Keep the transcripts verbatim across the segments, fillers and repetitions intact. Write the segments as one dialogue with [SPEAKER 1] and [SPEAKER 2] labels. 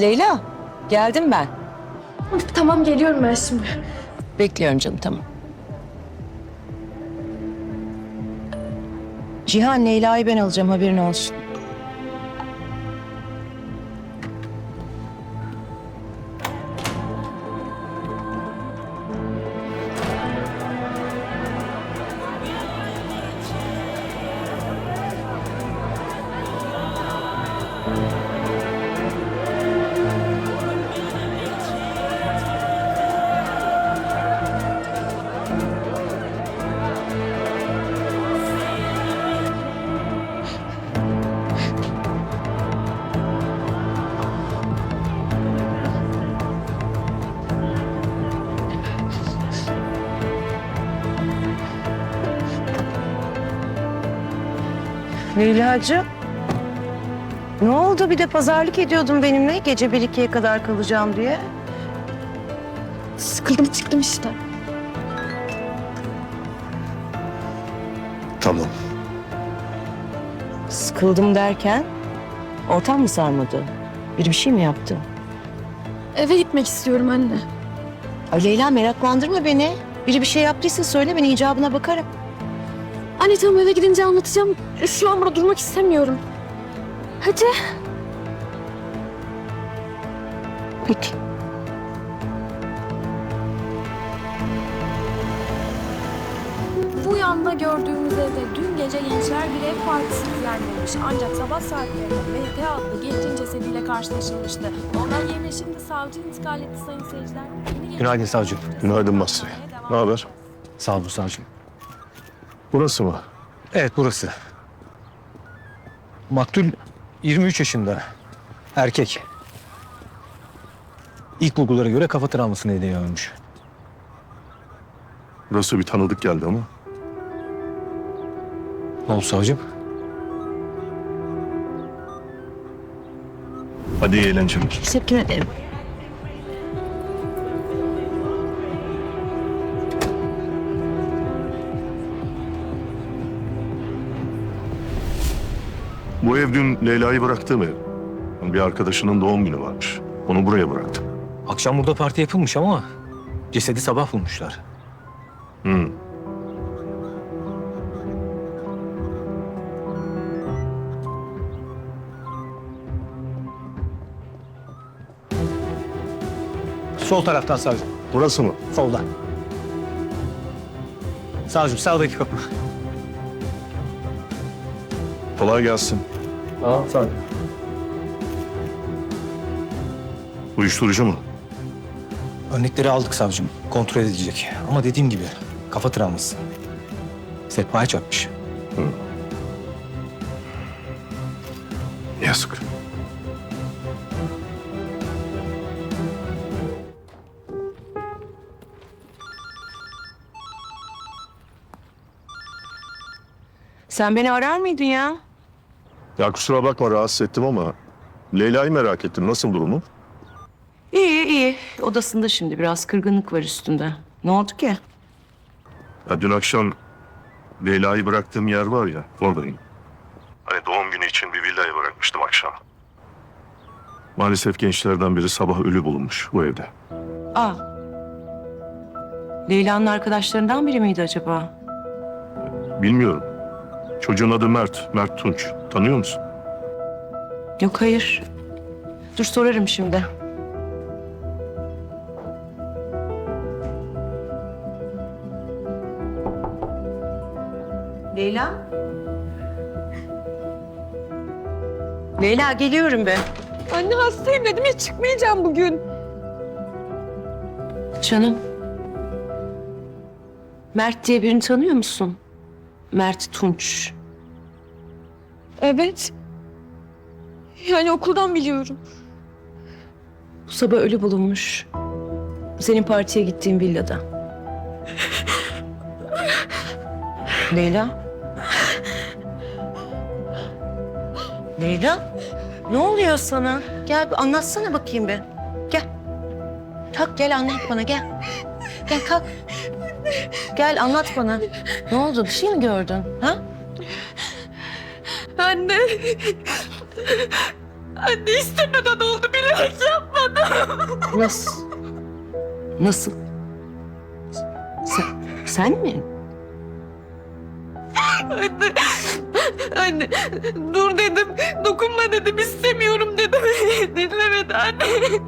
[SPEAKER 1] Leyla, geldim ben.
[SPEAKER 2] Tamam, geliyorum ben şimdi.
[SPEAKER 1] Bekliyorum canım, tamam. Cihan, Leyla'yı ben alacağım, haberin olsun. Leyla'cığım, ne oldu? Bir de pazarlık ediyordun benimle gece bir ikiye kadar kalacağım diye.
[SPEAKER 2] Sıkıldım, çıktım işte.
[SPEAKER 3] Tamam.
[SPEAKER 1] Sıkıldım derken, ortam mı sarmadı? Biri bir şey mi yaptı?
[SPEAKER 2] Eve gitmek istiyorum anne.
[SPEAKER 1] Ay Leyla, meraklandırma beni. Biri bir şey yaptıysa söyle, ben icabına bakarım.
[SPEAKER 2] Anne tamam, eve gidince anlatacağım. Şu an burada durmak istemiyorum. Hadi.
[SPEAKER 1] Peki.
[SPEAKER 4] Bu yanda gördüğümüz evde dün gece gençler bir ev partisi düzenlemiş. Ancak sabah saatlerinde M T adlı gencin cesediyle karşılaşılmıştı. Olay yerine şimdi savcı intikal etti sayın seyirciler. Yeni
[SPEAKER 3] Günaydın savcım. Günaydın Basri. Ne haber?
[SPEAKER 5] Sağ olun savcım.
[SPEAKER 3] Burası mı?
[SPEAKER 5] Evet burası. Maktul yirmi üç yaşında. Erkek. İlk bulgulara göre kafa travması nedeniyle ölmüş.
[SPEAKER 3] Burası bir tanıdık geldi ama.
[SPEAKER 5] Ne oldu savcım?
[SPEAKER 3] Hadi iyi eğlenceler.
[SPEAKER 1] Teşekkür ederim.
[SPEAKER 3] Bu ev dün Leyla'yı bıraktığım ev. Bir arkadaşının doğum günü varmış. Onu buraya bıraktım.
[SPEAKER 5] Akşam burada parti yapılmış ama cesedi sabah bulmuşlar.
[SPEAKER 3] Hı.
[SPEAKER 5] Sol taraftan savcım.
[SPEAKER 3] Burası mı?
[SPEAKER 5] Soldan. Savcım sağdaki kapı.
[SPEAKER 3] Kolay gelsin.
[SPEAKER 5] Tamam savcım.
[SPEAKER 3] Uyuşturucu mu?
[SPEAKER 5] Örnekleri aldık savcım. Kontrol edilecek. Ama dediğim gibi kafa travması. Sehpaya çarpmış.
[SPEAKER 3] Yazık.
[SPEAKER 1] Sen beni arar mıydın ya?
[SPEAKER 3] Ya kusura bakma rahatsız ettim ama Leyla'yı merak ettim. Nasıl durumu?
[SPEAKER 1] İyi iyi. Odasında şimdi, biraz kırgınlık var üstünde. Ne oldu ki?
[SPEAKER 3] Ya dün akşam Leyla'yı bıraktığım yer var ya, oradayım. Hani doğum günü için bir villaya bırakmıştım akşam. Maalesef gençlerden biri sabah ölü bulunmuş bu evde.
[SPEAKER 1] Aa. Leyla'nın arkadaşlarından biri miydi acaba?
[SPEAKER 3] Bilmiyorum. Çocuğun adı Mert, Mert Tunç. Tanıyor musun?
[SPEAKER 1] Yok, hayır. Dur sorarım şimdi. Leyla? Leyla, geliyorum ben.
[SPEAKER 2] Anne hastayım dedim ya, çıkmayacağım bugün.
[SPEAKER 1] Canım. Mert diye birini tanıyor musun? Mert Tunç.
[SPEAKER 2] Evet. Yani okuldan biliyorum.
[SPEAKER 1] Bu sabah ölü bulunmuş. Senin partiye gittiğin villada. Leyla? Leyla? Ne oluyor sana? Gel bir anlatsana bakayım bir. Gel. Kalk gel anlat bana, gel. Gel kalk. Gel anlat bana. Ne oldu? Bir şey mi gördün? Ha?
[SPEAKER 2] Anne. Anne istemeden oldu, bilerek yapmadım.
[SPEAKER 1] Nasıl? Nasıl? Sen, sen mi?
[SPEAKER 2] Anne, anne dur dedim, dokunma dedim, istemiyorum dedim. Dinlemedi anne.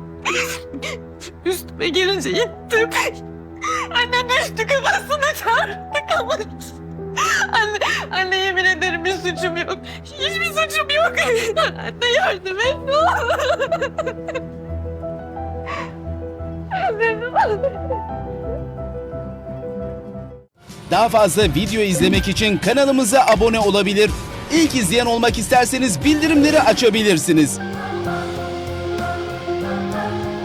[SPEAKER 2] Üstüme gelince gittim. Annem düştü, kafasını çarptı kafası. Anne, anne yemin ederim bir suçum yok. Hiçbir suçum yok. Anne yardım et ne olur.
[SPEAKER 6] Daha fazla video izlemek için kanalımıza abone olabilir. İlk izleyen olmak isterseniz bildirimleri açabilirsiniz.